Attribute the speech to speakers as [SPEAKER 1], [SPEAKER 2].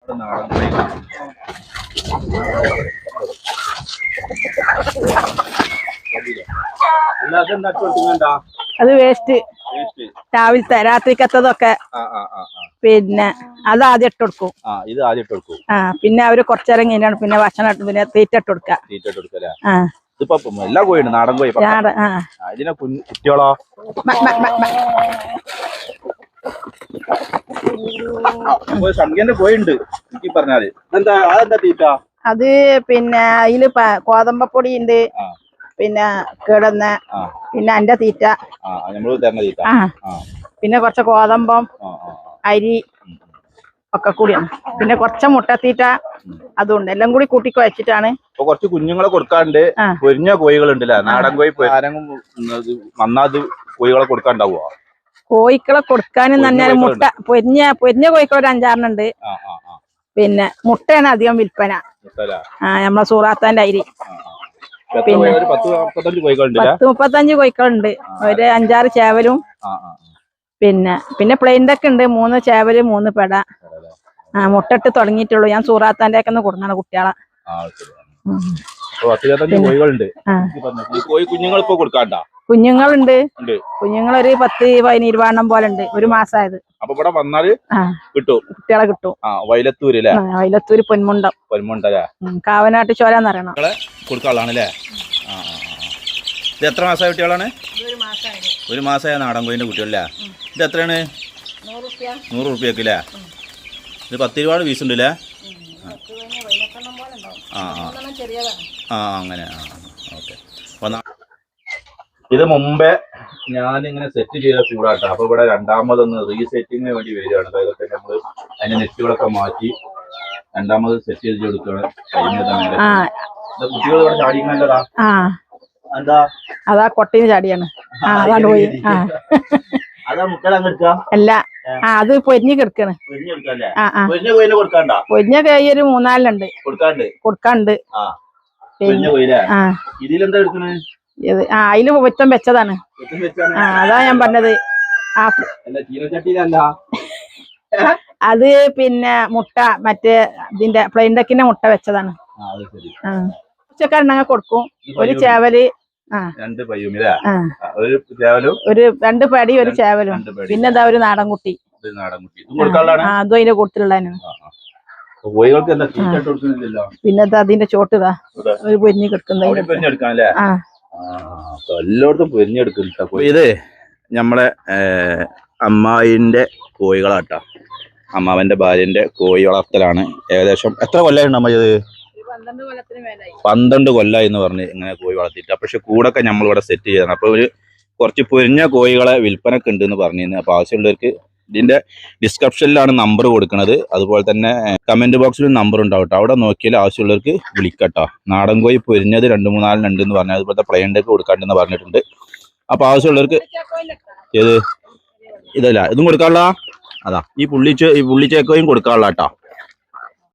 [SPEAKER 1] അത് വേസ്റ്റ് രാവിലത്തെ രാത്രിക്കത്തതൊക്കെ പിന്നെ അത് ആദ്യം ഇട്ട് കൊടുക്കും. പിന്നെ അവര് കുറച്ചേരം കഴിഞ്ഞാണ് പിന്നെ ഭക്ഷണം പിന്നെ തീറ്റ ഇട്ട് കൊടുക്കുക.
[SPEAKER 2] എല്ലാ കോഴിയുണ്ട് നാടൻ കോഴി. ഇതിനെ കുട്ടികളോ സംഖ്യന്റെ കോഴിയുണ്ട് എനിക്ക് പറഞ്ഞാല് അതെന്താ തീറ്റ?
[SPEAKER 1] അത് പിന്നെ അതില് കോതമ്പപ്പൊടി ഉണ്ട്, പിന്നെ കിടന്ന പിന്നെ എന്റെ തീറ്റ, പിന്നെ കുറച്ച് കോതമ്പം അരി ഒക്കെ കൂടിയാണ്. പിന്നെ കുറച്ച് മുട്ടത്തീറ്റ അതുണ്ട്. എല്ലാം കൂടി കൂട്ടി കുഴച്ചിട്ടാണ്.
[SPEAKER 2] കുറച്ച് കുഞ്ഞുങ്ങളെ കൊടുക്കാണ്ട് പൊരിഞ്ഞ കോഴികളുണ്ടല്ലേ നാടൻ കോഴി നന്നാത് കോഴികളെ കൊടുക്കാണ്ടാവുക.
[SPEAKER 1] കോഴിക്കളെ കൊടുക്കാനും തന്നെ മുട്ട പൊരിഞ്ഞ കോഴിക്കൾ ഒരു 5-6 പിന്നെ മുട്ടയാണ് അധികം വിൽപ്പന. നമ്മളെ സൂറാത്താന്റെ അരി. പിന്നെ 10-35 കോഴിക്കളുണ്ട്. ഒരു 5-6 ചേവലും പിന്നെ പ്ലെയിൻഡൊക്കെ ഉണ്ട്. 3 ചേവല് 3 പെട. മുട്ടിട്ട് തുടങ്ങിയിട്ടുള്ളൂ. ഞാൻ സൂറാത്താന്റെ ഒക്കെ കൊടുക്കണം കുട്ടികളെ. കുഞ്ഞുങ്ങളുണ്ട്. കുഞ്ഞുങ്ങളൊരു 10-20 പോലെ ഉണ്ട്. 1 മാസമായത്. കുട്ടികളെ കിട്ടും. വൈലത്തൂര് പൊന്മുണ്ടം കാവനാട്ട് ചോരാന്ന് പറയണം.
[SPEAKER 2] ഇത് എത്ര മാസമായ കുട്ടികളാണ്? 1 മാസമായ നാടൻ കോഴിന്റെ കുട്ടികളല്ലേ? ഇത് എത്രയാണ്? 100 റുപ്യക്കല്ലേ? ഇത് 10 രൂപ പീസ് ഉണ്ടല്ലേ? അങ്ങനെ. ഓക്കെ. ഇത് മുമ്പേ ഞാനിങ്ങനെ സെറ്റ് ചെയ്ത ചൂടാട്ടോ. അപ്പൊ ഇവിടെ രണ്ടാമതൊന്ന് റീസെറ്റിങ്ങിന് വേണ്ടി വരികയാണ്. അതൊക്കെ നമ്മള് അതിന്റെ നെറ്റുകളൊക്കെ മാറ്റി രണ്ടാമത് സെറ്റ് ചെയ്ത് കൊടുക്കുകയാണ്. കുട്ടികൾ ഇവിടെ ചാടിക്കുന്നതാ. എന്താ
[SPEAKER 1] അതാ കൊട്ടീന് ചാടിയാണ്.
[SPEAKER 2] അതാ മുട്ട
[SPEAKER 1] അല്ല, അത് പൊരിഞ്ഞ് കിടക്കാണ്. പൊരിഞ്ഞ കൈ ഒരു 3-4 കൊടുക്കാണ്ട്.
[SPEAKER 2] ഇതിലെന്താ എടുക്കണേ?
[SPEAKER 1] അതില് പൊറ്റം വെച്ചതാണ്. അതാ ഞാൻ പറഞ്ഞത്. അത് പിന്നെ മുട്ട മറ്റേ ഇതിന്റെ പ്ലെയിൻ ഡക്കിന്റെ മുട്ട വെച്ചതാണ്. ഉച്ചക്കാരനങ്ങ കൊടുക്കും. ഒരു ചേവല്
[SPEAKER 2] 2
[SPEAKER 1] പടി 1 ചേവലും പിന്നെ എന്താ ഒരു നാടൻ കുട്ടി. അതും അതിന്റെ കൂട്ടത്തിലുള്ളതിനാണ്. പിന്നെ അതിന്റെ ചോട്ടുതാ ഒരു പൊരിഞ്ഞ് കിടക്കുന്ന
[SPEAKER 2] എല്ലായിടത്തും പൊരിഞ്ഞെടുക്കും. ഇത് നമ്മളെ അമ്മായിന്റെ കോഴികളാട്ടോ. അമ്മാവന്റെ ഭാര്യന്റെ കോഴി വളർത്തലാണ്. ഏകദേശം എത്ര കൊല്ലായിട്ടുണ്ട് അമ്മ? ഇത് 12 കൊല്ലമായി എന്ന് പറഞ്ഞ് ഇങ്ങനെ കോഴി വളർത്തിയിട്ട്. പക്ഷെ കൂടൊക്കെ നമ്മളിവിടെ സെറ്റ് ചെയ്തതാണ്. അപ്പൊ ഒരു കുറച്ച് പൊരിഞ്ഞ കോഴികളെ വിൽപ്പനക്ക് ഉണ്ട് എന്ന് പറഞ്ഞിരുന്നു. അപ്പൊ ആവശ്യമുള്ളവർക്ക് ഇതിന്റെ ഡിസ്ക്രിപ്ഷനിലാണ് നമ്പർ കൊടുക്കുന്നത്. അതുപോലെ തന്നെ കമന്റ് ബോക്സിലും നമ്പർ ഉണ്ടാവും. അവിടെ നോക്കിയാൽ ആവശ്യമുള്ളവർക്ക് വിളിക്കട്ടോ. നാടൻ കോഴി പൊരിഞ്ഞത് 2-3 ഉണ്ട് എന്ന് പറഞ്ഞാൽ അതുപോലത്തെ പ്ലെയിൻഡൊക്കെ കൊടുക്കാണ്ടെന്ന് പറഞ്ഞിട്ടുണ്ട്. അപ്പൊ ആവശ്യമുള്ളവർക്ക് ഇതല്ല ഇതും കൊടുക്കാനുള്ള അതാ ഈ പുള്ളിച്ചേക്കോയും കൊടുക്കാനുള്ള കേട്ടോ.